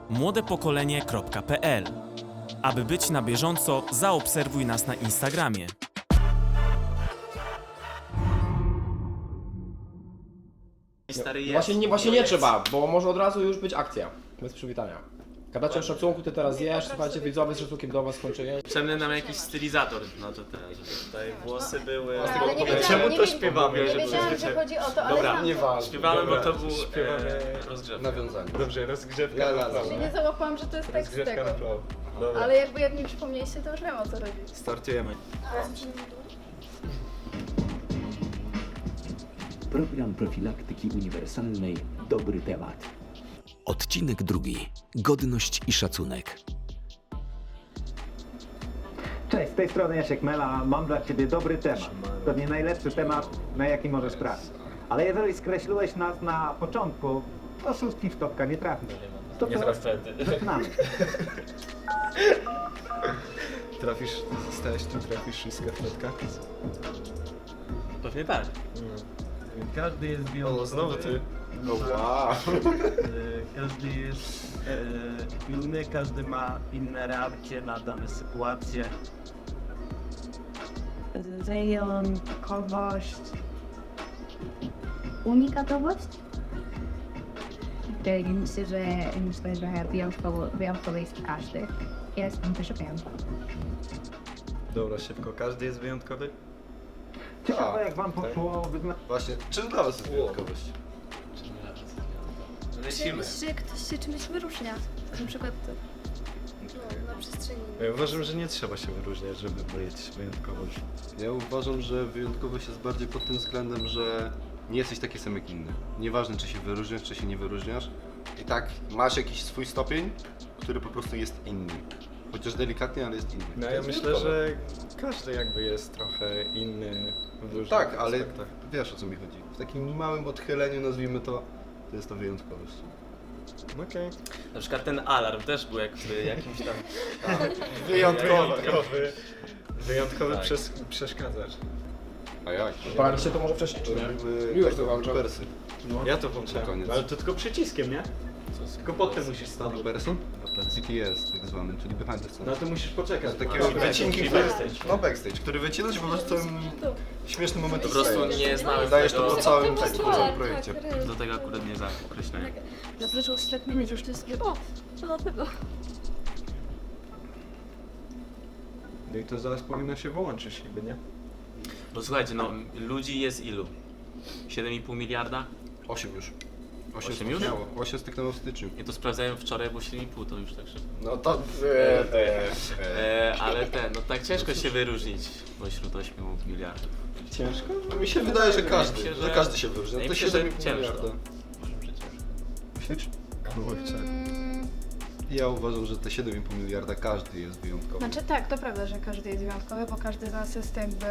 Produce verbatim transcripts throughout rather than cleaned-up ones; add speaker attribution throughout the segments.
Speaker 1: młodepokolenie kropka p l. Aby być na bieżąco, zaobserwuj nas na Instagramie.
Speaker 2: Stary jest.
Speaker 3: Właśnie nie, właśnie nie trzeba, bo może od razu już być akcja. Bez przywitania. Gadacie o szacunku, ty teraz jesz, słuchajcie, widzowie z szacunkiem do was skończyli.
Speaker 2: Potrzebny nam jakiś stylizator, no to teraz, żeby tutaj włosy były.
Speaker 4: Ale nie wiedziałam,
Speaker 2: Czemu
Speaker 4: nie
Speaker 2: to
Speaker 4: wi-
Speaker 2: śpiewamy,
Speaker 4: Nie
Speaker 2: żeby
Speaker 4: wiedziałam, że chodzi o to, ale
Speaker 2: Dobra,
Speaker 4: znam
Speaker 2: nie
Speaker 4: to.
Speaker 2: ważne. Śpiewamy,
Speaker 5: Dobra,
Speaker 2: bo to był
Speaker 5: śpiewamy
Speaker 2: e, rozgrzewka.
Speaker 5: nawiązanie.
Speaker 6: Dobrze, rozgrzewka
Speaker 5: La, la,
Speaker 6: na
Speaker 5: la.
Speaker 6: flow.
Speaker 4: Czyli nie załapałam, że to jest tekst
Speaker 6: Rozgrzewka
Speaker 4: tego.
Speaker 6: na flow. Dobra.
Speaker 4: Ale jakby jak mi przypomnieliście, to już wiem, o co chodzi.
Speaker 6: Startujemy.
Speaker 7: Program profilaktyki uniwersalnej Dobry temat.
Speaker 8: Odcinek drugi. Godność i szacunek.
Speaker 9: Cześć, z tej strony Jasiek Mela, mam dla Ciebie dobry temat. Pewnie najlepszy temat, na jaki możesz trafić. Ale jeżeli skreśliłeś nas na początku, to szóstki w topka nie trafisz. To
Speaker 2: Nie
Speaker 9: co?
Speaker 2: trafię.
Speaker 9: Zaczynamy.
Speaker 6: Trafisz, stałeś tu, trafisz szóstkę w plotka.
Speaker 2: Pewnie tak.
Speaker 10: Każdy jest wyjątkowy.
Speaker 6: O, znowu ty.
Speaker 5: O wow.
Speaker 10: E, Każdy jest e, inny, każdy ma inne reakcje na dane sytuacje.
Speaker 4: Wyjątkowość. Unikatowość?
Speaker 11: Myślę, że myślę, że wyjątkowo, wyjątkowy jest każdy. Ja jestem też wyjątkowy.
Speaker 6: Dobra, szybko. Każdy jest wyjątkowy?
Speaker 9: Ciekawe jak Wam poszło wyznać.
Speaker 5: Właśnie, czym dla was jest wyjątkowość?
Speaker 2: Lecimy.
Speaker 4: Że ktoś się czymś wyróżnia. Na przykład no, na przestrzeni.
Speaker 6: Ja uważam, że nie trzeba się wyróżniać, żeby mieć wyjątkowość.
Speaker 5: Ja uważam, że wyjątkowość jest bardziej pod tym względem, że nie jesteś taki sam jak inny. Nieważne czy się wyróżniasz, czy się nie wyróżniasz. I tak masz jakiś swój stopień, który po prostu jest inny. Chociaż delikatnie, ale jest inny.
Speaker 6: No
Speaker 5: To
Speaker 6: ja
Speaker 5: jest
Speaker 6: myślę,
Speaker 5: wyjątkowe.
Speaker 6: że każdy jakby jest trochę inny w różnych
Speaker 5: Tak, ale
Speaker 6: aspektach.
Speaker 5: wiesz o co mi chodzi. W takim małym odchyleniu, nazwijmy to, to jest to wyjątkowość.
Speaker 6: Okej.
Speaker 2: Na przykład ten alarm też był jakby jakimś tam...
Speaker 6: Wyjątkowy. Wyjątkowy
Speaker 2: Tak.
Speaker 6: przes przeszkadzacz.
Speaker 5: A jak?
Speaker 3: Paliście to może wcześniej, czy nie?
Speaker 5: Jakby
Speaker 3: Miłość to włącza.
Speaker 5: Persy.
Speaker 6: Ja to włączyłem.
Speaker 5: Koniec.
Speaker 6: Ale to tylko przyciskiem, nie? Tylko potem musisz stanąć.
Speaker 5: Person? C T S tak zwany, czyli behind the scenes.
Speaker 6: No to musisz poczekać.
Speaker 5: Z takiego
Speaker 6: Dobra,
Speaker 5: wycinki,
Speaker 6: czyli
Speaker 5: który,
Speaker 6: backstage.
Speaker 5: no backstage, który wycinasz i po prostu całym śmiesznym momentem
Speaker 2: Po prostu
Speaker 5: wstajesz.
Speaker 2: nie znałem
Speaker 5: Dajesz to
Speaker 2: tego,
Speaker 5: po całym, tak, po całym projekcie.
Speaker 2: do tego akurat nie zakreślałem.
Speaker 4: Zaczął się tak mieć, już to jest o, to do tego.
Speaker 6: No i to zaraz powinno się wyłączyć niby, nie?
Speaker 2: Bo słuchajcie, no ludzi jest ilu? siedem i pół miliarda?
Speaker 5: osiem już. osiem
Speaker 2: Osiem już?
Speaker 5: styknęło. osiem styknęło w styczniu.
Speaker 2: Ja to sprawdzałem wczoraj, bo siedem i pół to już tak szybko.
Speaker 5: No to... E, e, e.
Speaker 2: E, ale ten, no tak ciężko się wyróżnić pośród ośmiu miliardów.
Speaker 6: Ciężko?
Speaker 5: No mi się wydaje, że każdy,
Speaker 2: Wydaje mi się,
Speaker 5: że
Speaker 2: że-
Speaker 5: każdy się wyróżnia.
Speaker 2: wydaje
Speaker 5: To
Speaker 2: mi się, że
Speaker 5: siedem i pół
Speaker 2: ciężko.
Speaker 5: miliarda. Myślisz? Kurczę.
Speaker 4: Mm,
Speaker 5: Ja uważam, że te siedem i pół miliarda każdy jest wyjątkowy.
Speaker 4: Znaczy tak, to prawda, że każdy jest wyjątkowy, bo każdy z nas jest jakby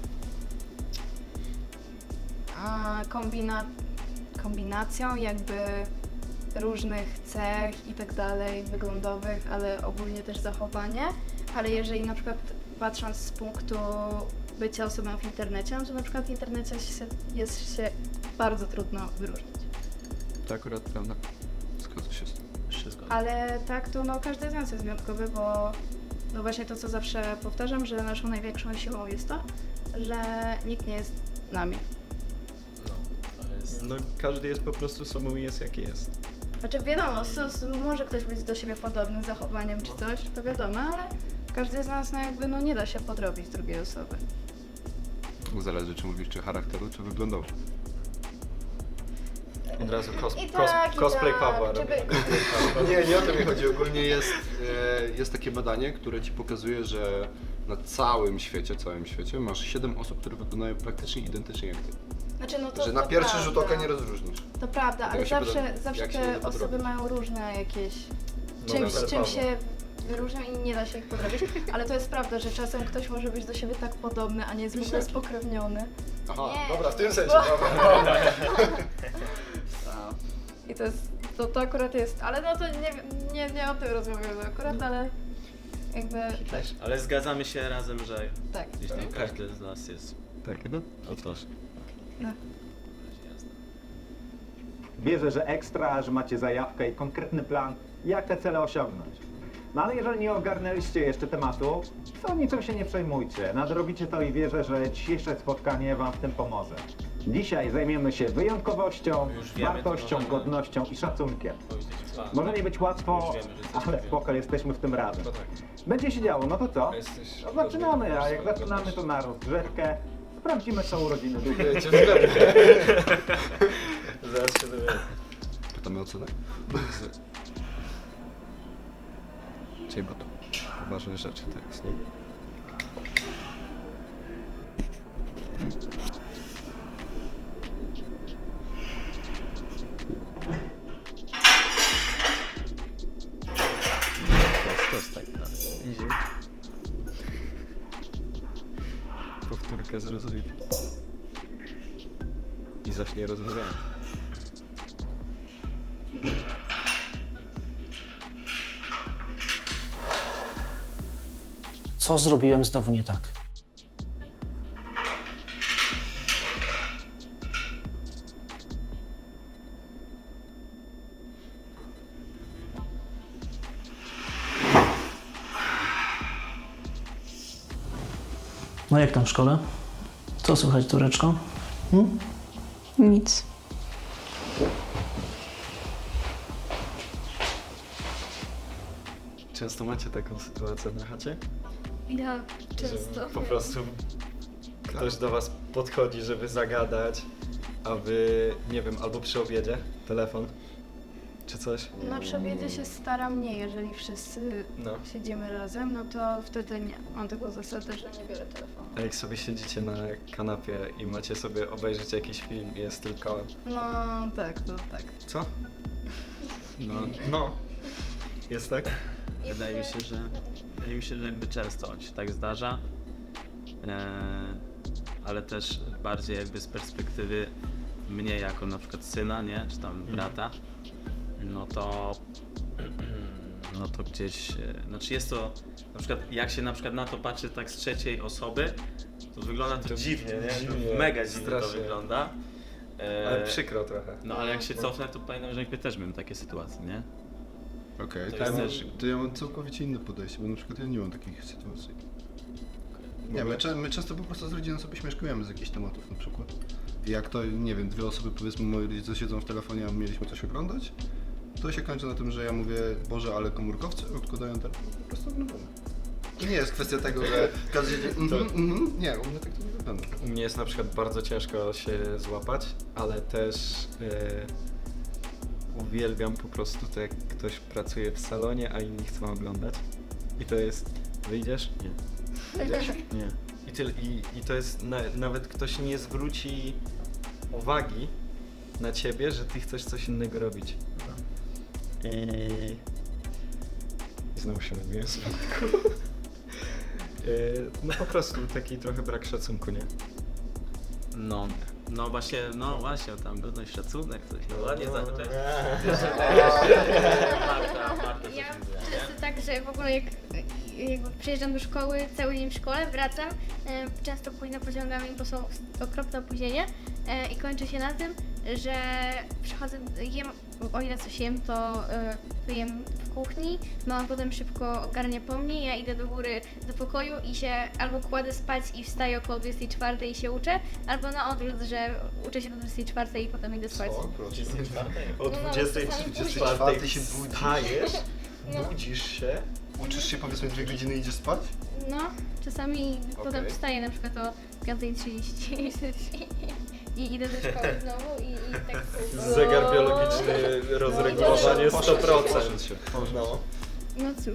Speaker 4: a, kombina, kombinacją jakby różnych cech i tak dalej, wyglądowych, ale ogólnie też zachowanie. Ale jeżeli na przykład patrząc z punktu bycia osobą w internecie, no to na przykład w internecie się, jest się bardzo trudno wyróżnić.
Speaker 5: To akurat prawda. Zgodzę się z tym.
Speaker 2: Wszystko.
Speaker 4: Ale tak, to no każdy z nas jest wyjątkowy, bo no właśnie to, co zawsze powtarzam, że naszą największą siłą jest to, że nikt nie jest nami.
Speaker 2: No, to jest...
Speaker 6: No każdy jest po prostu sobą i jest jaki jest.
Speaker 4: Znaczy wiadomo, so, so, może ktoś być do siebie podobny zachowaniem czy coś, to wiadomo, ale każdy z nas no jakby no nie da się podrobić drugiej osoby.
Speaker 5: Zależy, czy mówisz, czy charakteru, czy wyglądowo.
Speaker 6: Od razu cos
Speaker 4: I
Speaker 6: cos
Speaker 4: tak, i
Speaker 6: cosplay
Speaker 4: tak,
Speaker 6: Pawła
Speaker 4: żeby-
Speaker 6: robię.
Speaker 5: Nie, nie o to mi chodzi. Ogólnie jest, e, jest takie badanie, które ci pokazuje, że na całym świecie, całym świecie masz siedem osób, które wyglądają praktycznie identycznie jak ty.
Speaker 4: Znaczy no to
Speaker 5: Że na
Speaker 4: to
Speaker 5: pierwszy
Speaker 4: prawda.
Speaker 5: rzut oka nie rozróżnisz.
Speaker 4: To prawda, ale
Speaker 5: Tego się
Speaker 4: zawsze,
Speaker 5: poda-
Speaker 4: zawsze
Speaker 5: jak się nie
Speaker 4: te
Speaker 5: da
Speaker 4: osoby
Speaker 5: podrobić.
Speaker 4: mają różne jakieś
Speaker 6: No,
Speaker 4: czymś,
Speaker 6: na przykład
Speaker 4: czym
Speaker 6: Pawła.
Speaker 4: się wyróżnią i nie da się ich podrobić. Ale to jest prawda, że czasem ktoś może być do siebie tak podobny, a nie jest w ogóle spokrewniony.
Speaker 5: Aha,
Speaker 4: Nie.
Speaker 5: dobra, w tym sensie.
Speaker 4: Bo-
Speaker 5: Dobra.
Speaker 4: I to jest, to, to akurat jest, ale no to nie, nie, nie o tym rozmawiamy akurat, ale jakby tak,
Speaker 2: Ale zgadzamy się razem, że
Speaker 4: tak.
Speaker 2: gdzieś tam każdy z nas jest
Speaker 6: Tak, no?
Speaker 2: otoż.
Speaker 4: No.
Speaker 9: Wierzę, że ekstra, że macie zajawkę i konkretny plan, jak te cele osiągnąć. No ale jeżeli nie ogarnęliście jeszcze tematu, to niczym się nie przejmujcie. Nadrobicie to i wierzę, że dzisiejsze spotkanie wam w tym pomoże. Dzisiaj zajmiemy się wyjątkowością,
Speaker 2: Już wiemy, to
Speaker 9: wartością,
Speaker 2: możemy-
Speaker 9: godnością i szacunkiem.
Speaker 2: To już jest plan.
Speaker 9: Może nie być łatwo,
Speaker 2: Już wiemy, że jesteśmy
Speaker 9: ale
Speaker 2: wiem.
Speaker 9: spoko, jesteśmy w tym razem.
Speaker 6: To tak.
Speaker 9: Będzie się działo, no to co?
Speaker 6: Jesteś
Speaker 9: No zaczynamy,
Speaker 6: godny,
Speaker 9: a jak
Speaker 6: masz
Speaker 9: zaczynamy to
Speaker 6: godność.
Speaker 9: na rozgrzewkę. Sprawdzimy, co urodziny długie.
Speaker 6: Cię zgadnę. Zaraz się dowiemy.
Speaker 5: Pytamy o cenę?
Speaker 6: Czyli bo to poważne rzeczy teraz, nie?
Speaker 2: To jest tak, tak.
Speaker 6: Powtórkę zrozumieć. I zacznie rozmawianie.
Speaker 12: Co zrobiłem znowu nie tak? No jak tam w szkole? Co słychać, Tureczko? Hmm?
Speaker 11: Nic.
Speaker 6: Często macie taką sytuację na chacie?
Speaker 4: Ja często.
Speaker 6: Że po prostu ktoś do was podchodzi, żeby zagadać, a wy, nie wiem, albo przy obiedzie, telefon, czy coś.
Speaker 4: Na przy obiedzie się staram nie, jeżeli wszyscy
Speaker 6: No.
Speaker 4: siedzimy razem, no to wtedy nie. Mam taką zasadę, że nie biorę telefonu.
Speaker 6: A jak sobie siedzicie na kanapie i macie sobie obejrzeć jakiś film i jest tylko...
Speaker 4: No tak, to tak.
Speaker 6: Co? No, no. Jest tak?
Speaker 2: Wydaje mi się, że wydaje mi się, że jakby często się tak zdarza, e, ale też bardziej jakby z perspektywy mnie jako na przykład syna, nie, czy tam brata, no to no to gdzieś, e, znaczy jest to, na przykład jak się na przykład na to patrzy tak z trzeciej osoby, to wygląda to,
Speaker 6: To
Speaker 2: dziwnie, nie?
Speaker 6: dziwnie,
Speaker 2: Mega dziwnie to
Speaker 6: strasznie.
Speaker 2: wygląda. E,
Speaker 6: Ale przykro trochę.
Speaker 2: No ale jak się cofnę, to pamiętam, że jakby też miałem takie sytuacje, nie?
Speaker 5: Okej,
Speaker 2: To
Speaker 5: to,
Speaker 2: jest
Speaker 5: ja
Speaker 2: też-
Speaker 5: mam- to ja mam całkowicie inne podejście, bo na przykład ja nie mam takich sytuacji. Nie, my, cze- my często po prostu z rodziną sobie śmieszkujemy z jakichś tematów na przykład. I jak to, nie wiem, dwie osoby, powiedzmy, moi rodzice siedzą w telefonie, a mieliśmy coś oglądać, to się kończy na tym, że ja mówię, Boże, ale komórkowcy odkładają telefon, po prostu oglądamy. To nie jest kwestia tego, że każdy siedzi, mhm, mhm, nie, u mnie tak to nie wygląda.
Speaker 6: U mnie jest na przykład bardzo ciężko się złapać, ale też e, uwielbiam po prostu to, jak ktoś pracuje w salonie, a inni chcą oglądać. I to jest, wyjdziesz? Nie. Wyjdziesz? Nie. I, tyle, i, i to jest, na, nawet ktoś nie zwróci uwagi na ciebie, że ty chcesz coś innego robić. I znowu się robiłem z No po prostu taki trochę brak szacunku, nie?
Speaker 2: No, no właśnie, no właśnie, tam godność, szacunek, coś no ładnie
Speaker 6: No.
Speaker 2: zacząłeś. Marta, Marta coś
Speaker 13: Ja
Speaker 2: mówiła, nie?
Speaker 13: często tak, że w ogóle jak jakby przyjeżdżam do szkoły, cały dzień w szkole, wracam, e, często późno pociągami, bo są okropne opóźnienia e, i kończy się na tym, że przychodzę, jem, o ile coś jem, to e, jem w kuchni, mama potem szybko ogarnia po mnie, ja idę do góry do pokoju i się albo kładę spać i wstaję około dwudziestej czwartej i się uczę, albo na odwrót, że uczę się do dwudziestej czwartej i potem idę spać.
Speaker 6: O
Speaker 13: No,
Speaker 6: dwudziestej
Speaker 13: czasami
Speaker 6: czwartej
Speaker 5: się budzisz.
Speaker 6: wstajesz,
Speaker 13: No.
Speaker 6: budzisz się.
Speaker 5: Uczysz się, powiedzmy, dwie godziny i idziesz spać?
Speaker 13: No, czasami potem
Speaker 5: Okej.
Speaker 13: wstaję na przykład o piątej trzydzieści i idę do szkoły znowu i, i tak...
Speaker 6: Zegar biologiczny, rozregulowanie sto procent. No.
Speaker 13: No cóż.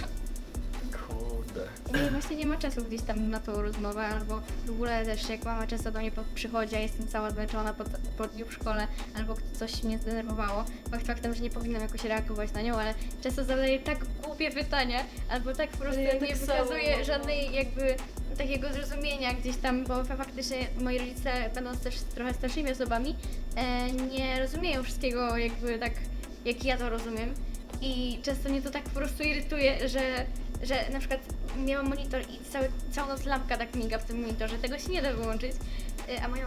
Speaker 6: Kurde.
Speaker 13: I właśnie nie ma czasu gdzieś tam na tą rozmowę, albo w ogóle też jak mama często do mnie po- przychodzi, a jestem cała zmęczona po, po dniu w szkole, albo coś mnie zdenerwowało. Fakt faktem, że nie powinnam jakoś reagować na nią, ale często zadaję tak głupie pytania, albo tak po prostu
Speaker 4: Ja
Speaker 13: nie
Speaker 4: tak
Speaker 13: wykazuje
Speaker 4: samo.
Speaker 13: żadnej jakby takiego zrozumienia gdzieś tam, bo fa- faktycznie moi rodzice, będąc też trochę starszymi osobami, e, nie rozumieją wszystkiego jakby tak, jak ja to rozumiem. I często mnie to tak po prostu irytuje, że, że na przykład miałam monitor i cały, całą noc lampka tak miga w tym monitorze, tego się nie da wyłączyć. Y, A moja mama,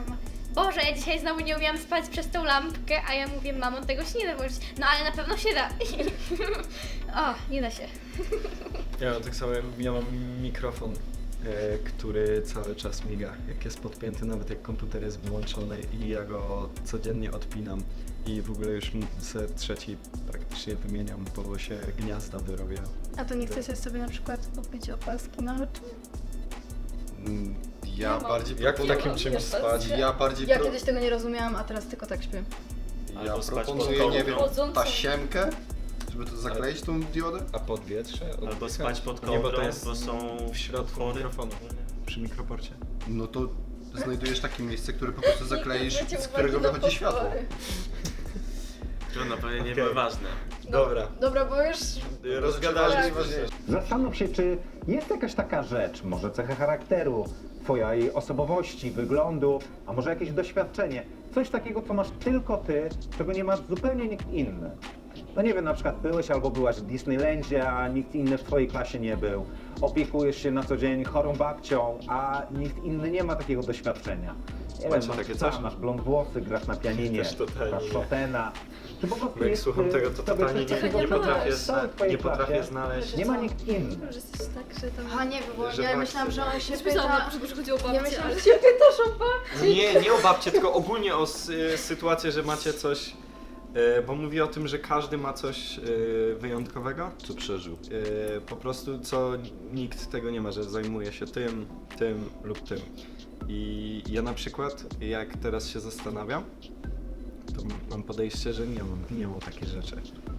Speaker 13: Boże, ja dzisiaj znowu nie umiałam spać przez tą lampkę, a ja mówię, mamo, tego się nie da włożyć. No ale na pewno się da. O, nie da się.
Speaker 6: Ja mam tak samo, ja mam mikrofon, e, który cały czas miga, jak jest podpięty, nawet jak komputer jest wyłączony i ja go codziennie odpinam i w ogóle już se trzeci praktycznie wymieniam, bo się gniazda wyrobią.
Speaker 4: A to nie chcecie sobie na przykład kupić opaski na oczy?
Speaker 5: Mm, Ja
Speaker 4: Ja mam-
Speaker 5: bardziej
Speaker 6: Jak w
Speaker 5: proponuję-
Speaker 6: takim czymś
Speaker 4: Ja
Speaker 6: spać?
Speaker 5: Ja bardziej
Speaker 4: Ja
Speaker 5: pro...
Speaker 4: kiedyś tego nie rozumiałam, a teraz tylko tak śpię.
Speaker 5: Ja
Speaker 2: Albo spać pod
Speaker 5: proponuję, nie wiem,
Speaker 2: kołdrą.
Speaker 5: tasiemkę, żeby to zakleić tą diodę.
Speaker 6: A podwietrze?
Speaker 2: Albo
Speaker 6: Oddychać?
Speaker 2: spać pod
Speaker 6: Nie, bo
Speaker 2: kołdrą,
Speaker 6: to jest
Speaker 2: bo są
Speaker 6: w środku
Speaker 2: otwory.
Speaker 6: mikrofonu, przy mikroporcie.
Speaker 5: No to znajdujesz takie miejsce, które po prostu zakleisz, z którego wychodzi światło.
Speaker 2: Trudno, pewnie nie
Speaker 6: Okej.
Speaker 2: były ważne.
Speaker 6: Dobra,
Speaker 4: Dobra, bo już...
Speaker 6: rozgadaliśmy się.
Speaker 9: Zastanów się, czy jest jakaś taka rzecz, może cecha charakteru, twojej osobowości, wyglądu, a może jakieś doświadczenie. Coś takiego, co masz tylko ty, czego nie masz zupełnie nikt inny. No nie wiem, na przykład byłeś albo byłaś w Disneylandzie, a nikt inny w twojej klasie nie był. Opiekujesz się na co dzień chorą babcią, a nikt inny nie ma takiego doświadczenia. Nie
Speaker 6: Macie
Speaker 9: wiem, masz
Speaker 6: takie
Speaker 9: psa,
Speaker 6: coś?
Speaker 9: masz blond włosy, grasz na pianinie,
Speaker 6: Też totalnie
Speaker 9: grasz
Speaker 6: nie.
Speaker 9: Chopina. Czy po prostu
Speaker 6: Bo jak
Speaker 9: jest,
Speaker 6: słucham
Speaker 9: y,
Speaker 6: tego, to
Speaker 9: w tobie
Speaker 6: totalnie
Speaker 9: coś
Speaker 6: nie,
Speaker 9: takiego,
Speaker 6: nie,
Speaker 9: co
Speaker 6: potrafię,
Speaker 9: w całej
Speaker 6: zna,
Speaker 9: twojej
Speaker 6: nie potrafię
Speaker 9: klasie
Speaker 6: znaleźć.
Speaker 9: Nie ma nikt inny.
Speaker 13: Że jesteś tak, że tam...
Speaker 4: A nie, bo
Speaker 6: Że
Speaker 4: ja
Speaker 6: babcie-
Speaker 4: myślałam, że on się
Speaker 13: Myślałam,
Speaker 4: pyta...
Speaker 13: na początku, że chodzi o babcię,
Speaker 4: Ja myślałam,
Speaker 13: ale-
Speaker 4: że się pytasz o babci.
Speaker 6: Nie, nie o babcie, tylko ogólnie o s- y, sytuację, że macie coś, y, bo mówi o tym, że każdy ma coś y, wyjątkowego.
Speaker 5: Co przeżył.
Speaker 6: Y, po prostu co nikt tego nie ma, że zajmuje się tym, tym lub tym. I ja na przykład, jak teraz się zastanawiam, to mam podejście, że nie mam, nie mam takich rzeczy.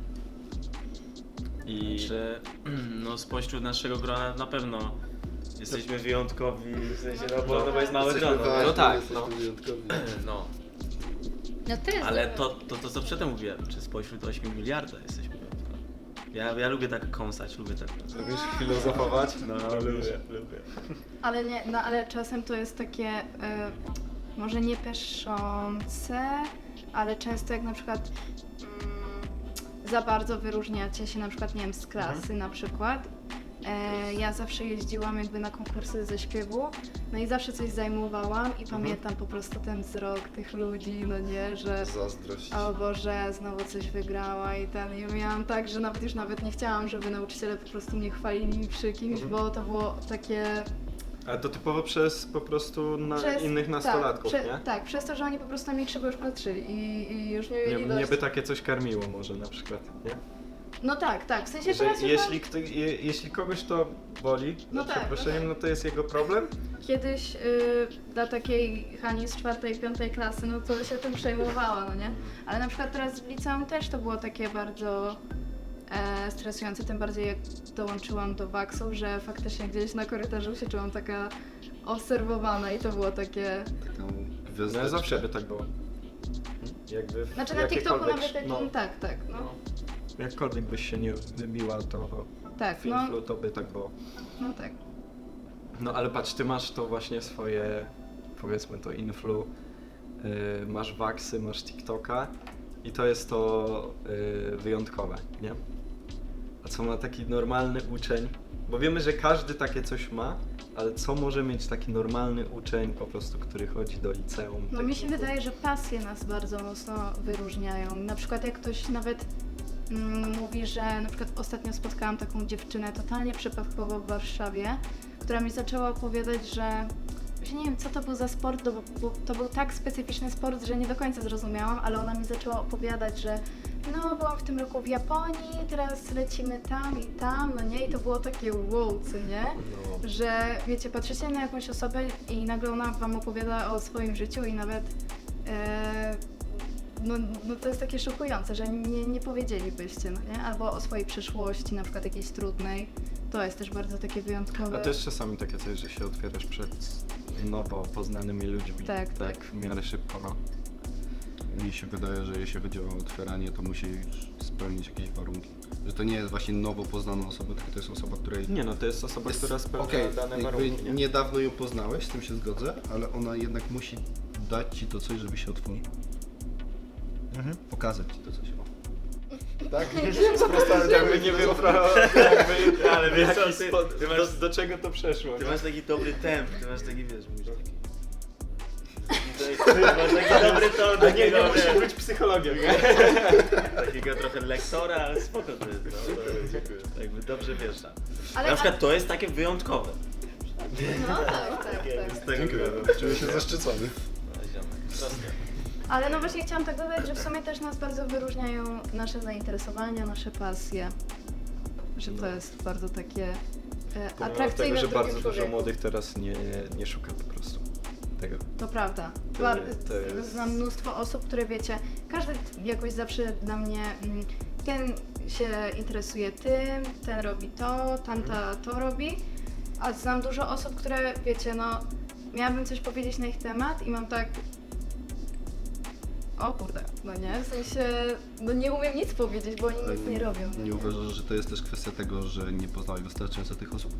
Speaker 6: I
Speaker 2: Czy no spośród naszego grona na pewno jesteśmy wyjątkowi, w sensie, no bo, no bo jest małe
Speaker 5: Jesteśmy
Speaker 2: grono.
Speaker 5: ważni,
Speaker 2: No tak,
Speaker 5: jesteśmy
Speaker 2: no.
Speaker 5: wyjątkowi.
Speaker 2: no.
Speaker 13: No to jest
Speaker 2: Ale
Speaker 13: dobre.
Speaker 2: to, to, to co przedtem mówiłem, czy spośród ośmiu miliarda jesteśmy wyjątkowi. Ja, ja lubię tak kąsać, lubię tak.
Speaker 6: lubisz filozofować?
Speaker 2: No, lubię, lubię.
Speaker 4: Ale nie, no ale czasem to jest takie, e, może nie peszące, ale często jak na przykład mm, za bardzo wyróżniacie się na przykład, nie wiem, z klasy na przykład. E, ja zawsze jeździłam jakby na konkursy ze śpiewu, no i zawsze coś zajmowałam i pamiętam po prostu ten wzrok tych ludzi, no nie, że
Speaker 5: Zazdrość.
Speaker 4: o Boże, znowu coś wygrała i ten, i miałam tak, że nawet już nawet nie chciałam, żeby nauczyciele po prostu mnie chwalili przy kimś, bo to było takie...
Speaker 6: Ale to typowo przez po prostu na
Speaker 4: Przez-
Speaker 6: innych nastolatków,
Speaker 4: tak, prze,
Speaker 6: nie?
Speaker 4: Tak, przez to, że oni po prostu na mnie krzywo już patrzyli i, i już nie mieli
Speaker 6: Nie,
Speaker 4: dość.
Speaker 6: mnie by takie coś karmiło może na przykład, nie?
Speaker 4: No tak, tak, w sensie
Speaker 6: Że
Speaker 4: teraz już
Speaker 6: jeśli, kto, je, jeśli kogoś to boli,
Speaker 4: No
Speaker 6: za
Speaker 4: tak,
Speaker 6: przeproszeniem, no to jest jego problem.
Speaker 4: mam kiedyś y, dla takiej Hani z czwartej, piątej klasy, no to się tym przejmowała, no nie? Ale na przykład teraz w liceum też to było takie bardzo e, stresujące, tym bardziej jak dołączyłam do waksów, że faktycznie gdzieś na korytarzu się czułam taka obserwowana i to było takie...
Speaker 5: Taką
Speaker 6: No
Speaker 5: gwiazdeczkę.
Speaker 6: zawsze by tak było. Jakby w
Speaker 4: Znaczy na TikToku
Speaker 6: jakiekolwiek-
Speaker 4: nawet takim,
Speaker 6: no,
Speaker 4: tak, tak, no.
Speaker 6: jakkolwiek byś się nie wybiła, to
Speaker 4: Tak,
Speaker 6: w
Speaker 4: no,
Speaker 6: influ to by tak było.
Speaker 4: no tak.
Speaker 6: No ale patrz, ty masz to właśnie swoje, powiedzmy to influ, yy, masz waksy, masz TikToka i to jest to yy, wyjątkowe, nie? A co ma taki normalny uczeń? Bo wiemy, że każdy takie coś ma, ale co może mieć taki normalny uczeń po prostu, który chodzi do liceum?
Speaker 4: No
Speaker 6: tak
Speaker 4: mi się
Speaker 6: po
Speaker 4: wydaje, że pasje nas bardzo mocno wyróżniają. Na przykład jak ktoś nawet mm, mówi, że na przykład ostatnio spotkałam taką dziewczynę totalnie przypadkowo w Warszawie, która mi zaczęła opowiadać, że właśnie nie wiem co to był za sport, bo, bo to był tak specyficzny sport, że nie do końca zrozumiałam, ale ona mi zaczęła opowiadać, że no byłam w tym roku w Japonii, teraz lecimy tam i tam, no nie? I to było takie wow, co nie?
Speaker 6: No.
Speaker 4: Że wiecie, patrzycie na jakąś osobę i nagle ona wam opowiada o swoim życiu i nawet e, no, no to jest takie szokujące, że nie, nie powiedzielibyście, no nie? Albo o swojej przyszłości, na przykład jakiejś trudnej. To jest też bardzo takie wyjątkowe.
Speaker 6: A też czasami takie coś, że się otwierasz przed nowo poznanymi ludźmi.
Speaker 4: Tak,
Speaker 6: tak. W miarę szybko, no.
Speaker 5: Mi się wydaje, że jeśli chodzi o otwieranie, to musi spełnić jakieś warunki. Że to nie jest właśnie nowo poznana osoba, tylko to jest osoba, której...
Speaker 6: Nie no, to jest osoba,
Speaker 5: jest,
Speaker 6: która spełnia
Speaker 5: okej,
Speaker 6: dane
Speaker 5: jakby
Speaker 6: warunki, nie?
Speaker 5: niedawno ją poznałeś, z tym się zgodzę, ale ona jednak musi dać ci to coś, żeby się otworzyć.
Speaker 6: Mhm.
Speaker 5: Pokazać ci to coś.
Speaker 6: Tak? Jakby nie wiem, jakby,
Speaker 2: Ale wiesz co,
Speaker 6: jaki
Speaker 2: ty-
Speaker 6: spo-
Speaker 2: ty masz-
Speaker 6: do, do czego to przeszło?
Speaker 2: Ty
Speaker 6: nie?
Speaker 2: masz taki dobry temp, ty masz taki, wiesz, mówisz taki... Taki dobry ton,
Speaker 6: A nie, nie
Speaker 2: takiego,
Speaker 6: musi
Speaker 2: wiesz,
Speaker 6: być psychologiem.
Speaker 2: takiego trochę lektora, ale spoko to jest, no, to jakby dobrze wiesz.
Speaker 4: Ale-
Speaker 2: Na przykład to jest takie wyjątkowe.
Speaker 4: No tak, tak,
Speaker 2: Z
Speaker 4: tak.
Speaker 2: tego
Speaker 5: Czuję się zaszczycony.
Speaker 2: No, ziomek, proste.
Speaker 4: Ale no właśnie chciałam tak dodać, że w sumie też nas bardzo wyróżniają nasze zainteresowania, nasze pasje. Że to jest bardzo takie e,
Speaker 6: Pomimo
Speaker 4: atrakcyjne
Speaker 6: tego, że
Speaker 4: w
Speaker 6: bardzo
Speaker 4: drugim
Speaker 6: dużo
Speaker 4: człowieku.
Speaker 6: młodych teraz nie, nie szuka po prostu tego.
Speaker 4: To prawda.
Speaker 6: To-
Speaker 4: Bar-
Speaker 6: to jest-
Speaker 4: Znam mnóstwo osób, które wiecie, każdy jakoś zawsze dla mnie, mm, ten się interesuje tym, ten robi to, tamta to robi, a znam dużo osób, które wiecie, no miałabym coś powiedzieć na ich temat i mam tak, o kurde, no nie, w sensie, no nie umiem nic powiedzieć, bo oni nic nie robią.
Speaker 5: Nie uważasz, że to jest też kwestia tego, że nie poznałeś wystarczająco tych osób?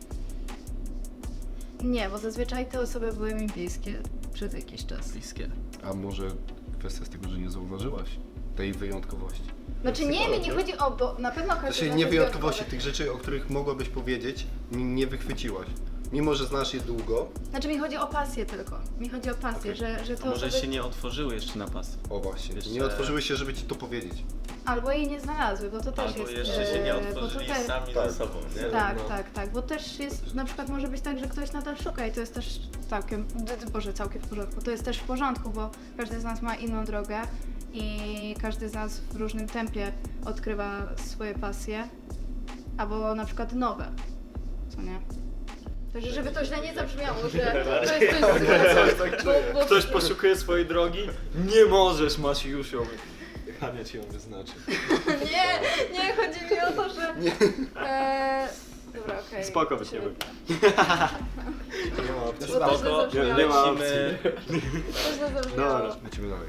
Speaker 4: Nie, bo zazwyczaj te osoby były mi bliskie przez jakiś czas.
Speaker 2: Bliskie.
Speaker 5: A może kwestia z tego, że nie zauważyłaś tej wyjątkowości?
Speaker 4: Znaczy nie, mi nie chodzi o, bo na pewno każdy z
Speaker 5: Znaczy
Speaker 4: nas
Speaker 5: nie
Speaker 4: jest
Speaker 5: wyjątkowości,
Speaker 4: wyjątkowy.
Speaker 5: tych rzeczy, o których mogłabyś powiedzieć, n- nie wychwyciłaś. Mimo, że znasz je długo.
Speaker 4: Znaczy mi chodzi o pasję tylko. Mi chodzi o pasję, że, że
Speaker 2: A
Speaker 4: to
Speaker 2: może
Speaker 4: osoby...
Speaker 2: się nie otworzyły jeszcze na pas.
Speaker 5: O właśnie,
Speaker 2: Jeszcze-
Speaker 5: nie otworzyły się, żeby ci to powiedzieć.
Speaker 4: Albo jej nie znalazły, bo to też
Speaker 2: Albo
Speaker 4: jest...
Speaker 2: jeszcze się nie
Speaker 4: e, bo to
Speaker 2: otworzyli
Speaker 4: też-
Speaker 2: sami
Speaker 5: tak.
Speaker 2: ze sobą, nie?
Speaker 4: Tak,
Speaker 2: No.
Speaker 4: tak, tak, bo też jest, na przykład może być tak, że ktoś nadal szuka i to jest też całkiem, d- d- boże, całkiem w porządku. To jest też w porządku, bo każdy z nas ma inną drogę i każdy z nas w różnym tempie odkrywa swoje pasje, albo na przykład nowe, co nie? Także żeby to źle nie zabrzmiało, że to jest coś złego, bo, bo...
Speaker 6: Ktoś poszukuje swojej drogi? Nie możesz, masz już ją. Hania ci ją wyznaczy.
Speaker 4: Nie, nie, chodzi mi o to, że... E, dobra, okej.
Speaker 6: Spoko byś nie był. Nie ma opcji.
Speaker 4: Bo to źle
Speaker 2: Spoko,
Speaker 4: zabrzmiało.
Speaker 6: nie ma
Speaker 2: lecimy.
Speaker 4: To źle zabrzmiało.
Speaker 6: Dobra.
Speaker 5: Lecimy dalej.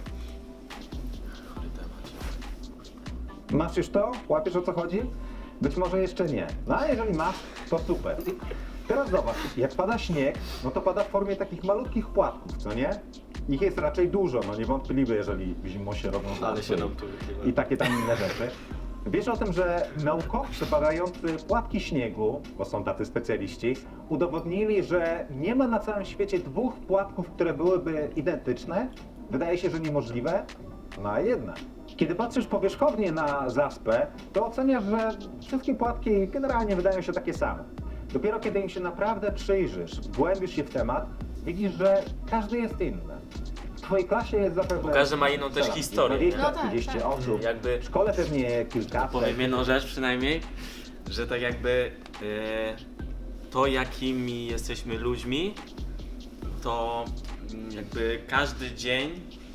Speaker 9: Masz już to? Łapiesz, o co chodzi? Być może jeszcze nie. No a jeżeli masz, to super. Teraz zobacz, jak pada śnieg, no to pada w formie takich malutkich płatków, co nie? Ich jest raczej dużo, no niewątpliwie, jeżeli zimą się robią
Speaker 6: Ale
Speaker 9: zaspy
Speaker 6: się nam tu wychyla.
Speaker 9: i takie tam inne rzeczy. Wiesz o tym, że naukowcy badający płatki śniegu, bo są tacy specjaliści, udowodnili, że nie ma na całym świecie dwóch płatków, które byłyby identyczne? Wydaje się, że niemożliwe, no a jednak. Kiedy patrzysz powierzchownie na zaspę, to oceniasz, że wszystkie płatki generalnie wydają się takie same. Dopiero kiedy im się naprawdę przyjrzysz, wgłębisz się w temat, widzisz, że każdy jest inny. W twojej klasie jest zapewne...
Speaker 2: Każdy ma inną też historię, nie?
Speaker 9: dwadzieścia
Speaker 4: No tak,
Speaker 9: trzydzieści
Speaker 4: tak.
Speaker 9: osób.
Speaker 2: Jakby
Speaker 9: W szkole pewnie kilka.
Speaker 2: powiem jedną rzecz przynajmniej, że tak jakby e, to jakimi jesteśmy ludźmi, to mm, jakby każdy dzień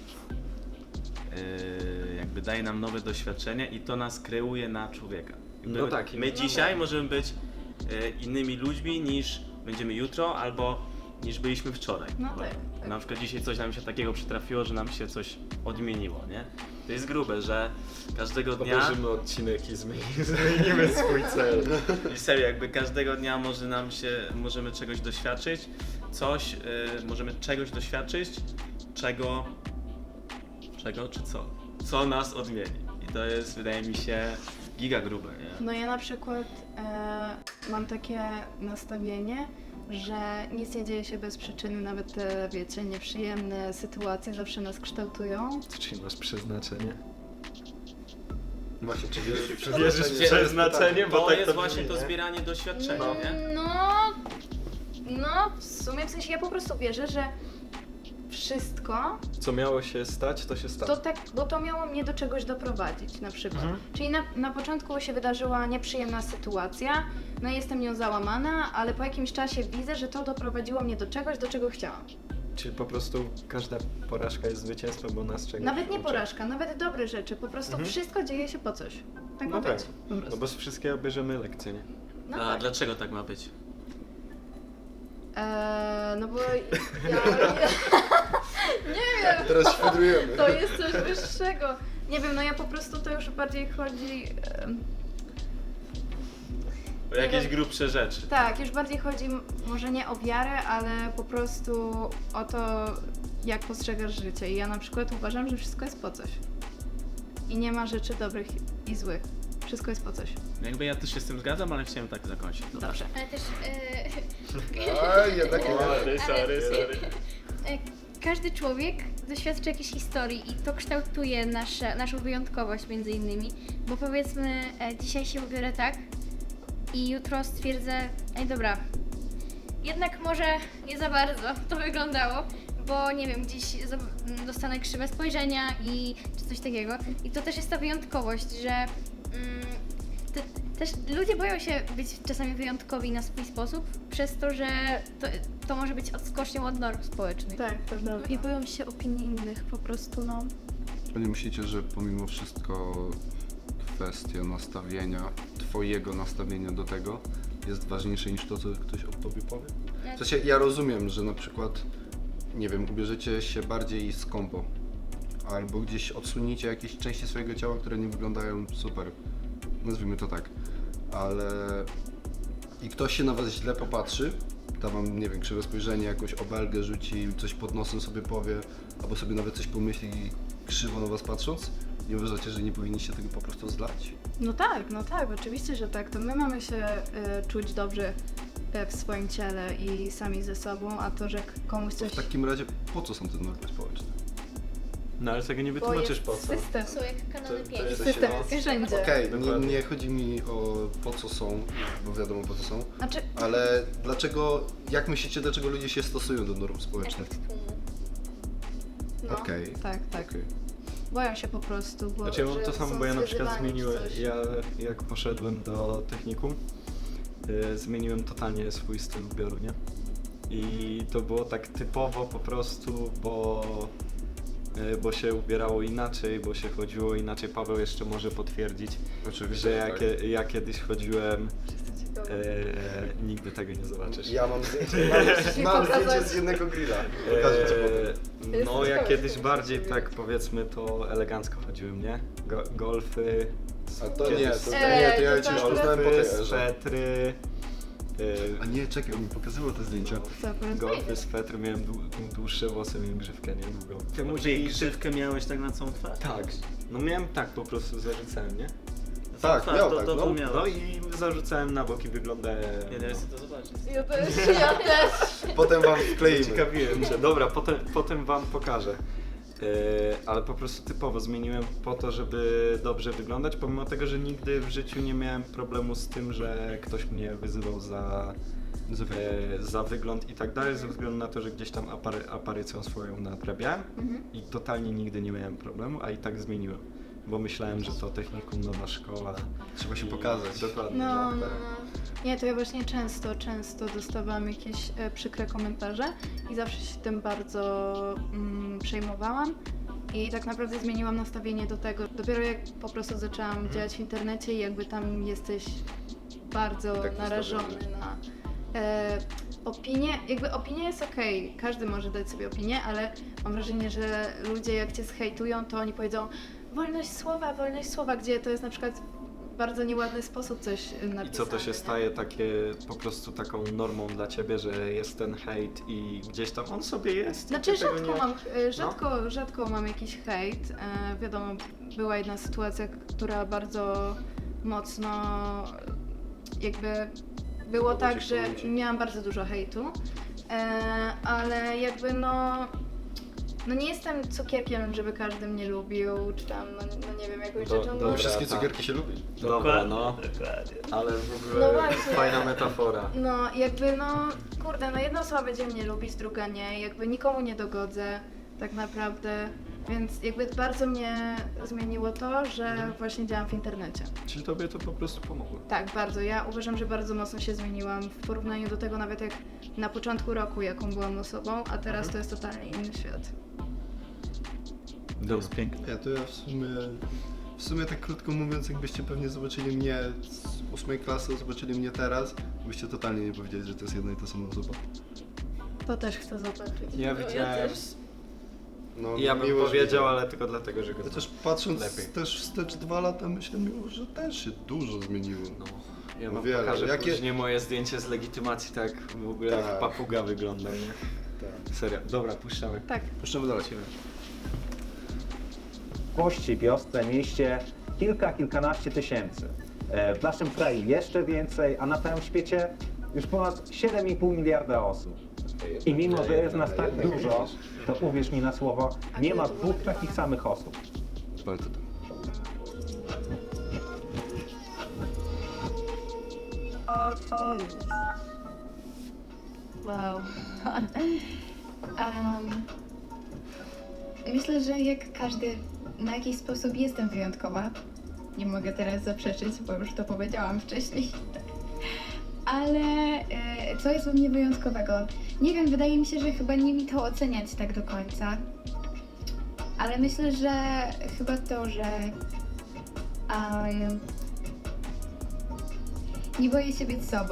Speaker 2: e, jakby daje nam nowe doświadczenia i to nas kreuje na człowieka. Jakby
Speaker 6: No tak.
Speaker 2: My dzisiaj możemy być e, innymi ludźmi niż będziemy jutro albo niż byliśmy wczoraj.
Speaker 4: No
Speaker 2: Bo
Speaker 4: tak, tak.
Speaker 2: Na przykład dzisiaj coś nam się takiego przytrafiło, że nam się coś odmieniło, nie? To jest grube, że każdego dnia...
Speaker 6: Obejrzymy odcinek i zmienimy, zmienimy swój cel.
Speaker 2: I serio, jakby każdego dnia może nam się, możemy czegoś doświadczyć, coś, y, możemy czegoś doświadczyć, czego, czego czy co? Co nas odmieni. I to jest, wydaje mi się, giga grube, nie?
Speaker 4: No ja na przykład e, mam takie nastawienie, że nic nie dzieje się bez przyczyny, nawet te, wiecie, nieprzyjemne sytuacje zawsze nas kształtują.
Speaker 6: Czyli masz przeznaczenie?
Speaker 5: Właśnie, czy wierzysz w
Speaker 6: Wierzysz w
Speaker 5: przeznaczenie?
Speaker 6: przeznaczenie? Bo
Speaker 2: To
Speaker 6: tak
Speaker 2: jest
Speaker 6: to
Speaker 2: właśnie
Speaker 6: brzmi,
Speaker 2: to
Speaker 6: nie?
Speaker 2: zbieranie doświadczenia, nie?
Speaker 4: No, no w sumie w sensie ja po prostu wierzę, że wszystko
Speaker 6: Co miało się stać, to się stało.
Speaker 4: to tak, bo to miało mnie do czegoś doprowadzić na przykład. Czyli na, na początku się wydarzyła nieprzyjemna sytuacja, no i jestem nią załamana, ale po jakimś czasie widzę, że to doprowadziło mnie do czegoś, do czego chciałam.
Speaker 6: Czyli po prostu każda porażka jest zwycięstwem, bo nas czegoś
Speaker 4: Nawet nie
Speaker 6: uczy.
Speaker 4: porażka, nawet dobre rzeczy, po prostu
Speaker 6: Mhm.
Speaker 4: wszystko dzieje się po coś. Tak ma
Speaker 6: No tak,
Speaker 4: być. Po
Speaker 6: no
Speaker 4: prostu.
Speaker 6: bo z wszystkiego bierzemy lekcje, nie?
Speaker 4: No
Speaker 2: A
Speaker 4: tak.
Speaker 2: dlaczego tak ma być?
Speaker 4: Eee, no bo ja... ja nie wiem.
Speaker 5: Teraz świdrujemy.
Speaker 4: To jest coś wyższego. Nie wiem, no ja po prostu to już bardziej chodzi... em,
Speaker 2: O jakieś
Speaker 4: wiem.
Speaker 2: grubsze rzeczy.
Speaker 4: Tak, już bardziej chodzi m- może nie o wiarę, ale po prostu o to, jak postrzegasz życie. I ja na przykład uważam, że wszystko jest po coś. I nie ma rzeczy dobrych i złych. Wszystko jest po coś.
Speaker 2: Jakby ja też się z tym zgadzam, ale chciałem tak zakończyć. Dobra.
Speaker 4: Dobrze.
Speaker 13: Ale też... E,
Speaker 5: A, jednak nie.
Speaker 2: Sorry, sorry, sorry.
Speaker 13: e, każdy człowiek doświadcza jakiejś historii i to kształtuje nasze, naszą wyjątkowość między innymi, bo powiedzmy e, dzisiaj się ubiorę tak i jutro stwierdzę, ej dobra, jednak może nie za bardzo to wyglądało, bo nie wiem, gdzieś za- dostanę krzywe spojrzenia i czy coś takiego. I to też jest ta wyjątkowość, że mm, te, też ludzie boją się być czasami wyjątkowi na swój sposób, przez to, że to, to może być odskocznią od norm społecznych.
Speaker 4: Tak, prawda. I boją się opinii innych po prostu, no.
Speaker 14: Nie myślicie, że pomimo wszystko kwestia nastawienia, twojego nastawienia do tego jest ważniejsze niż to, co ktoś o tobie powie? W sensie ja rozumiem, że na przykład, nie wiem, ubierzecie się bardziej skąpo, albo gdzieś odsuniecie jakieś części swojego ciała, które nie wyglądają super, nazwijmy to tak, ale i ktoś się na was źle popatrzy, da wam, nie wiem, krzywe spojrzenie, jakąś obelgę rzuci, coś pod nosem sobie powie, albo sobie nawet coś pomyśli krzywo na was patrząc, nie uważacie, że nie powinniście tego po prostu zlać?
Speaker 4: No tak, no tak, oczywiście, że tak. To my mamy się y, czuć dobrze y, w swoim ciele i sami ze sobą, a to, że komuś
Speaker 14: To
Speaker 4: coś...
Speaker 14: w takim razie po co są te normy społeczne?
Speaker 6: No ale tego nie
Speaker 4: Bo
Speaker 6: wytłumaczysz
Speaker 4: jest
Speaker 6: po co.
Speaker 4: system.
Speaker 13: Są jak kanony
Speaker 6: To- to
Speaker 13: pięć.
Speaker 6: jest-
Speaker 4: System
Speaker 6: no.
Speaker 4: jest wszędzie.
Speaker 14: Okej, nie,
Speaker 6: Dokładnie.
Speaker 14: nie chodzi mi o po co są, bo wiadomo po co są,
Speaker 4: Znaczy,
Speaker 14: ale dlaczego, jak myślicie, dlaczego ludzie się stosują do norm społecznych?
Speaker 13: Efekt tłumu.
Speaker 4: no,
Speaker 14: Okej.
Speaker 4: tak, tak.
Speaker 14: Okej.
Speaker 4: Boją się po prostu, bo
Speaker 6: Znaczy ja mam
Speaker 4: że
Speaker 6: to samo,
Speaker 4: są
Speaker 6: bo ja na przykład
Speaker 4: zwyzywani czy
Speaker 6: zmieniłem,
Speaker 4: coś.
Speaker 6: ja jak poszedłem do technikum, y, zmieniłem totalnie swój styl ubioru, nie? I to było tak typowo po prostu, bo, y, bo się ubierało inaczej, bo się chodziło inaczej. Paweł jeszcze może potwierdzić,
Speaker 14: Oczywiście,
Speaker 6: że ja,
Speaker 14: tak.
Speaker 6: kie- ja kiedyś chodziłem, y, nigdy tego nie zobaczysz.
Speaker 14: Ja mam zdjęcie, mam, mam zdjęcie z jednego grilla. Pokażę ci potem.
Speaker 6: Eee, no ja kiedyś bardziej tak powiedzmy to elegancko chodziłem, nie? Go, golfy,
Speaker 14: A to nie, to, to
Speaker 4: Eee,
Speaker 14: nie, to ja
Speaker 4: to
Speaker 14: cię już
Speaker 4: tak.
Speaker 14: poznałem po
Speaker 6: golfy,
Speaker 14: tej erze.
Speaker 6: swetry,
Speaker 14: A nie, czekaj, on mi pokazywał te zdjęcia.
Speaker 4: Super.
Speaker 6: golfy, swetry, miałem dłu, dłuższe włosy, miałem grzywkę, nie? Długo.
Speaker 2: Ty może i grzywkę miałeś tak na całą twarz?
Speaker 6: Tak, no miałem tak po prostu, zarzucałem, nie?
Speaker 2: Na
Speaker 14: Tak,
Speaker 2: całą
Speaker 14: miał
Speaker 2: to,
Speaker 14: tak,
Speaker 2: to,
Speaker 14: no.
Speaker 2: to miałeś.
Speaker 6: No i zarzucałem na boki, wygląda...
Speaker 2: Nie, nie chcę to zobaczyć.
Speaker 4: Ja też, ja też.
Speaker 14: Potem wam wkleimy.
Speaker 6: Ciekawiłem się. Dobra, potem, potem wam pokażę. Yy, ale po prostu typowo zmieniłem po to, żeby dobrze wyglądać, pomimo tego, że nigdy w życiu nie miałem problemu z tym, że ktoś mnie wyzywał za,
Speaker 14: Za
Speaker 6: e, za wygląd i tak dalej, ze względu na to, że gdzieś tam apary, aparycją swoją nadrabiałem i totalnie nigdy nie miałem problemu, a i tak zmieniłem, bo myślałem, że to technikum, nowa szkoła.
Speaker 14: Trzeba się pokazać.
Speaker 6: Dokładnie.
Speaker 4: No,
Speaker 6: że-
Speaker 4: no, no. Nie, to ja właśnie często, często dostawałam jakieś e, przykre komentarze i zawsze się tym bardzo mm, przejmowałam i tak naprawdę zmieniłam nastawienie do tego. Dopiero jak po prostu zaczęłam działać w internecie i jakby tam jesteś bardzo
Speaker 14: Tak
Speaker 4: narażony
Speaker 14: nastawiony.
Speaker 4: na e, opinię. Jakby opinia jest okej, każdy może dać sobie opinię, ale mam wrażenie, że ludzie jak cię zhejtują, to oni powiedzą wolność słowa, wolność słowa, gdzie to jest na przykład w bardzo nieładny sposób coś napisane.
Speaker 6: I co to się
Speaker 4: nie?
Speaker 6: staje takie po prostu taką normą dla ciebie, że jest ten hejt i gdzieś tam on sobie jest. i
Speaker 4: Znaczy
Speaker 6: ty tego
Speaker 4: rzadko
Speaker 6: nie...
Speaker 4: mam, e, rzadko, rzadko mam jakiś hejt. E, wiadomo, była jedna sytuacja, która bardzo mocno jakby było
Speaker 14: Mogło
Speaker 4: tak,
Speaker 14: cię
Speaker 4: że
Speaker 14: wkurwić.
Speaker 4: miałam bardzo dużo hejtu, e, ale jakby no, no nie jestem cukierkiem, żeby każdy mnie lubił, czy tam, no, no nie wiem, jakąś
Speaker 6: Do-
Speaker 4: rzeczą.
Speaker 6: dobra.
Speaker 4: no,
Speaker 14: Wszystkie
Speaker 6: tak.
Speaker 14: cukierki się lubi.
Speaker 6: Dobra, no.
Speaker 2: Dokładnie.
Speaker 6: Ale w
Speaker 4: No
Speaker 6: ogóle
Speaker 4: właśnie.
Speaker 6: fajna metafora.
Speaker 4: No jakby no, kurde, no jedna osoba będzie mnie lubić, druga nie, jakby nikomu nie dogodzę tak naprawdę, więc jakby bardzo mnie zmieniło to, że właśnie działam w internecie.
Speaker 6: Czyli tobie to po prostu pomogło.
Speaker 4: Tak, bardzo. Ja uważam, że bardzo mocno się zmieniłam w porównaniu do tego nawet jak na początku roku, jaką byłam osobą, a teraz to jest totalnie inny świat.
Speaker 2: To jest piękne.
Speaker 14: Ja to ja w sumie, w sumie tak krótko mówiąc, jakbyście pewnie zobaczyli mnie z ósmej klasy, zobaczyli mnie teraz, byście totalnie nie powiedzieli, że to jest jedna i ta sama osoba.
Speaker 4: To też chcę zobaczyć.
Speaker 6: Ja
Speaker 4: No,
Speaker 6: widziałem.
Speaker 4: też.
Speaker 14: No,
Speaker 6: Ja bym
Speaker 14: miło, że
Speaker 6: powiedział,
Speaker 14: widziałem.
Speaker 6: ale tylko dlatego, że go
Speaker 14: Chociaż
Speaker 6: znam.
Speaker 14: patrząc
Speaker 6: lepiej.
Speaker 14: też wstecz dwa lata, myślę miło, że też się dużo zmieniło.
Speaker 6: No, ja
Speaker 14: No
Speaker 6: wam
Speaker 14: wiele.
Speaker 6: pokażę
Speaker 14: Jakie-
Speaker 6: później moje zdjęcie z legitymacji, tak w ogóle jak
Speaker 14: Tak.
Speaker 6: papuga wygląda, nie?
Speaker 14: Tak.
Speaker 6: Serio. Dobra, puszczamy.
Speaker 4: Tak.
Speaker 14: Puszczamy dalej.
Speaker 9: W wsi, wiosce, mieście kilka, kilkanaście tysięcy. E, W naszym kraju jeszcze więcej, a na całym świecie już ponad siedem i pół miliarda osób. I mimo, że jest nas tak dużo, to uwierz mi na słowo, nie ma dwóch takich samych osób.
Speaker 5: Bardzo to.
Speaker 11: Wow. um, myślę, że jak każdy na jakiś sposób jestem wyjątkowa. Nie mogę teraz zaprzeczyć, bo już to powiedziałam wcześniej. Ale e, co jest u mnie wyjątkowego? Nie wiem, wydaje mi się, że chyba nie mi to oceniać tak do końca. Ale myślę, że chyba to, że um, nie boję się być sobą.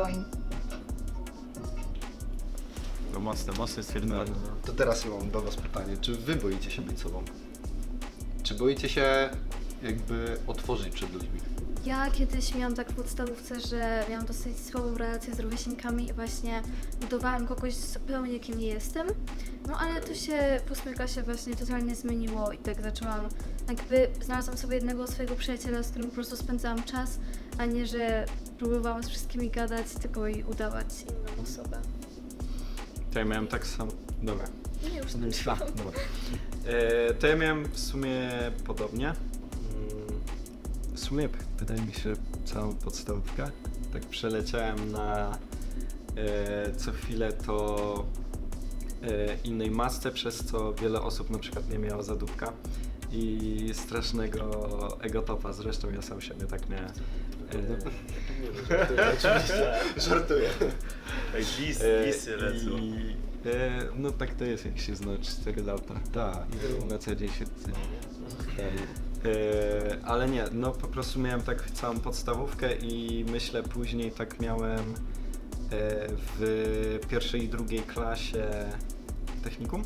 Speaker 2: To mocne, mocne stwierdzenie.
Speaker 5: To teraz ja mam do was pytanie, czy wy boicie się być sobą? Czy boicie się jakby otworzyć przed ludźmi?
Speaker 4: Ja kiedyś miałam tak w podstawówce, że miałam dosyć słabą relację z rówieśnikami i właśnie budowałam kogoś zupełnie kim nie jestem. No ale to się po ósmej klasie właśnie totalnie zmieniło i tak zaczęłam, jakby znalazłam sobie jednego swojego przyjaciela, z którym po prostu spędzałam czas, a nie, że próbowałam z wszystkimi gadać, tylko i udawać inną osobę.
Speaker 6: To ja miałem tak samo. Dobra.
Speaker 4: Nie, już
Speaker 6: Myśla. Dobra. E, to ja miałem w sumie podobnie. Mm, W sumie wydaje mi się całą podstawówkę. Tak przeleciałem na e, co chwilę to e, innej masce, przez co wiele osób na przykład nie miało zadupka i strasznego egotopa. Zresztą ja sam siebie tak miałem.
Speaker 5: Nie, oczywiście, żartuję.
Speaker 2: Tak, lis, lisy lecą.
Speaker 6: I, e, no tak to jest, jak się zna cztery lata. Tak. I na co dzień się ceni. E, ale nie, no po prostu miałem tak całą podstawówkę i myślę później tak miałem e, w pierwszej i drugiej klasie technikum.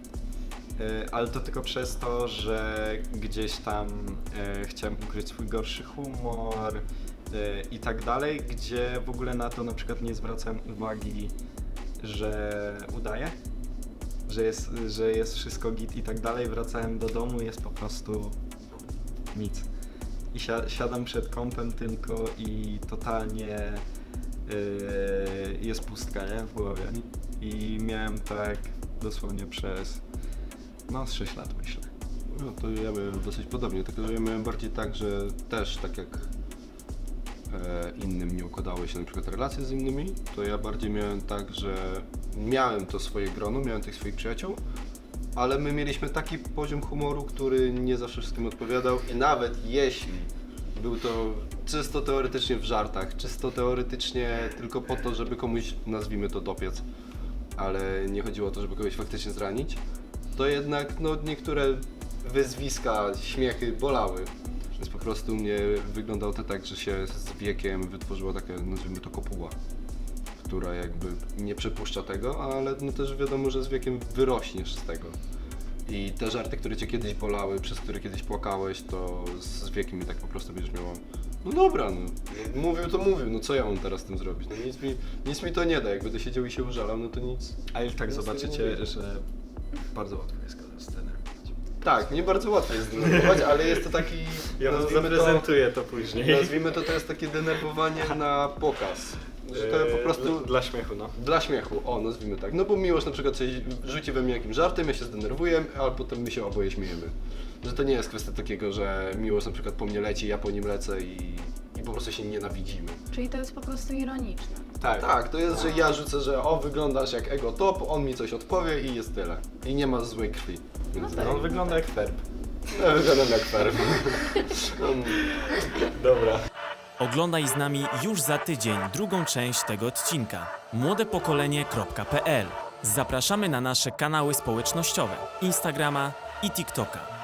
Speaker 6: E, ale to tylko przez to, że gdzieś tam e, chciałem ukryć swój gorszy humor e, i tak dalej, gdzie w ogóle na to na przykład nie zwracałem uwagi, że udaję, że jest, że jest wszystko git i tak dalej. Wracałem do domu, jest po prostu nic. I si- siadam przed kompem tylko i totalnie yy, jest pustka, nie? W głowie. I miałem tak dosłownie przez no z sześć lat, myślę.
Speaker 5: No to ja miałem dosyć podobnie, tylko że ja miałem bardziej tak, że też tak jak e, innym nie układały się na przykład relacje z innymi, to ja bardziej miałem tak, że miałem to swoje grono, miałem tych swoich przyjaciół, ale my mieliśmy taki poziom humoru, który nie zawsze wszystkim odpowiadał i nawet jeśli był to czysto teoretycznie w żartach, czysto teoretycznie tylko po to, żeby komuś, nazwijmy to, dopiec, ale nie chodziło o to, żeby kogoś faktycznie zranić, to jednak no, niektóre wyzwiska, śmiechy bolały. Więc po prostu mnie wyglądało to tak, że się z wiekiem wytworzyła taka, nazwijmy to, kopuła, która jakby nie przepuszcza tego, ale no też wiadomo, że z wiekiem wyrośniesz z tego. I te żarty, które cię kiedyś bolały, przez które kiedyś płakałeś, to z wiekiem i tak po prostu będziesz miała, no dobra, no, no mówił to mówił, no co ja mam teraz z tym zrobić? No nic mi, nic mi to nie da, jak będę siedział i się użalał, no to nic.
Speaker 6: A już tak
Speaker 5: nic
Speaker 6: zobaczycie, że bardzo łatwo jest go zdenerwować.
Speaker 5: Tak, nie bardzo łatwo jest zdenerwować, ale jest to taki,
Speaker 6: Ja wam
Speaker 5: nazwijmy
Speaker 6: zaprezentuję to później.
Speaker 5: Nazwijmy to, to jest takie denerwowanie na pokaz. Że to po prostu...
Speaker 6: Dla, dla śmiechu, no.
Speaker 5: Dla śmiechu, o, nazwijmy tak. No bo Miłosz na przykład coś rzuci we mnie jakimś żartem, ja się zdenerwuję, a potem my się oboje śmiejemy. Że to nie jest kwestia takiego, że Miłosz na przykład po mnie leci, ja po nim lecę i, i po prostu się nienawidzimy.
Speaker 4: Czyli to jest po prostu ironiczne.
Speaker 5: Tak. Tak, to jest, że ja rzucę, że o, wyglądasz jak ego top, on mi coś odpowie i jest tyle. I nie ma złej krwi. Więc
Speaker 6: No, on wygląda jak ferb.
Speaker 5: Ja wyglądam jak ferb.
Speaker 6: Dobra.
Speaker 1: Oglądaj z nami już za tydzień drugą część tego odcinka. młode pokolenie kropka p l. Zapraszamy na nasze kanały społecznościowe, Instagrama i TikToka.